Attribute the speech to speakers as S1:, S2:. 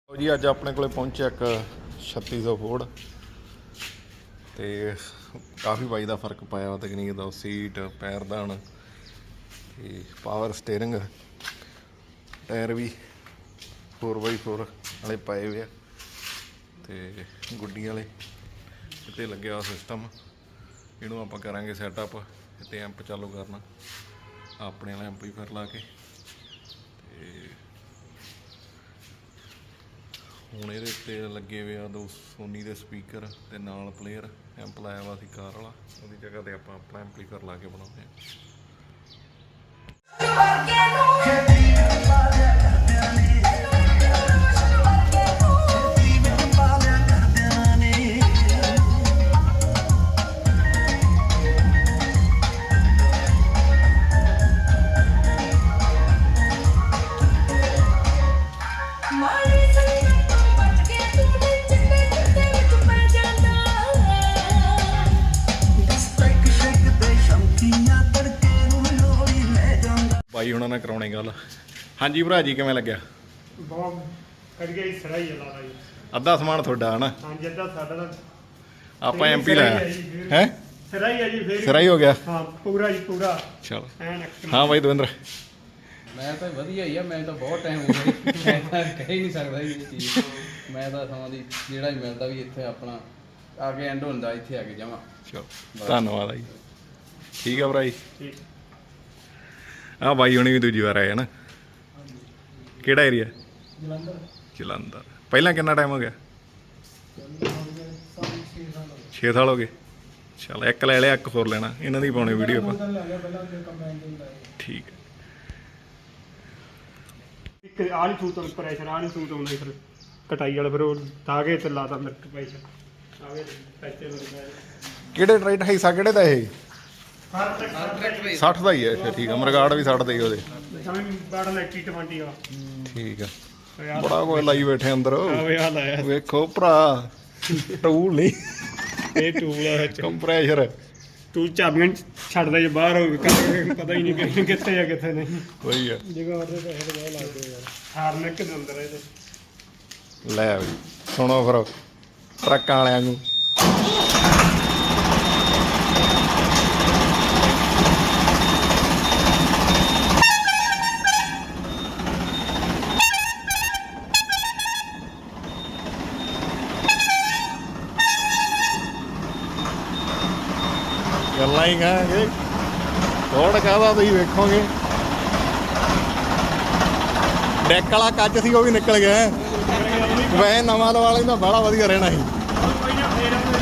S1: जी अज अपने को पहुंचे एक 3600 फोर्ड तो काफ़ी बाई का फर्क पाया तकनीक का सीट पैरदान पावर स्टेयरिंग टायर भी 4x4 वाले पाए हुए तो गुड्डी वाले इतने लगे हुआ सिस्टम इनू आप करेंगे सैटअप इतने एंप चालू करना अपने वाला एंप ही फिर ला के ਹੁਣ ਇਹਦੇ ਉੱਤੇ ਲੱਗੇ ਹੋਏ ਆ ਦੋ ਸੋਨੀ ਦੇ ਸਪੀਕਰ ਤੇ ਨਾਲ ਪਲੇਅਰ ਐਂਪ ਲਾਇਆ ਵਾ ਸੀ ਕਾਰ ਵਾਲਾ ਉਹਦੀ ਜਗ੍ਹਾ ਤੇ ਆਪਾਂ ਆਪਣਾ ਐਂਪਲੀਫਾਇਰ ਲਾ ਕੇ ਬਣਾਉਂਦੇ भाई हुणां नाल कराउणे गल हाँ जी भरा जी किवें लग्या अद्धा समान तुहाडा है ना आपां एमपी लाया है सिरा ही हो गया चलो हाँ भाई दविंद्र
S2: मैं तो वधिया ही मैं तो बहुत टाइम हो गया मैं कह ही नहीं सकता ये चीज़ मैं तो समा दी जेड़ा ही मिलता भी इत्थे अपना आगे एंड होंदा इत्थे आके जावां
S1: चलो धन्नवाद जी ठीक है भरा जी हाँ भाई हुणी भी दूजी बार आए है ना केड़ा एरिया जलंधर पहला कितना टाइम हो गया 6 साल हो गए चल एक ले लिया एक होर लेना इन्हों की पाने वीडियो पर ठीक है
S3: कटाई वाला फिर तागे ते लाता मिर्च
S1: ਕਿਹੜੇ ਟਰੈਕਟਰ ਹੈ ਸਾ ਕਿਹੜੇ ਦਾ ਇਹ 60 ਦਾ ਹੀ ਹੈ ਅੱਛਾ ਠੀਕ ਹੈ ਮਰਗਾੜ ਵੀ 60 ਦਾ ਹੀ ਉਹਦੇ ਠੀਕ ਹੈ ਬੜਾ ਕੋਈ ਲਾਈ ਬੈਠੇ ਅੰਦਰ ਵੇਖੋ ਭਰਾ ਟੂਲ ਨਹੀਂ
S3: ਇਹ ਟੂਲ ਹੈ
S1: ਕੰਪਰੈਸ਼ਰ
S3: ਤੂੰ ਚਾਬੀਆਂ ਛੱਡਦਾ ਜੇ ਬਾਹਰ ਪਤਾ ਹੀ ਨਹੀਂ ਕਿੱਥੇ ਆ ਕਿੱਥੇ ਨਹੀਂ
S1: ਕੋਈ ਹੈ
S3: ਜਗ੍ਹਾ ਉਹਦੇ ਪੈਸੇ ਬਹੁਤ ਲੱਗਦੇ ਯਾਰ ਹਾਰਨਿਕ ਦੇ ਅੰਦਰ ਇਹਦੇ
S1: ਲੈ ਵੀ ਸੁਣੋ ਫਿਰ ਟਰੱਕਾਂ ਵਾਲਿਆਂ ਨੂੰ ਗੱਲਾਂ ਹੀ ਕਹਾਂਗੇ ਥੋੜ ਕਾਹਦਾ ਤੁਸੀਂ ਵੇਖੋਗੇ ਡੈਕ ਵਾਲਾ ਕੱਚ ਸੀ ਉਹ ਵੀ ਨਿਕਲ ਗਿਆ ਵੈਸੇ ਨਵਾਂ ਵਾਲੇ ਦਾ ਬੜਾ ਵਧੀਆ ਰਹਿਣਾ ਸੀ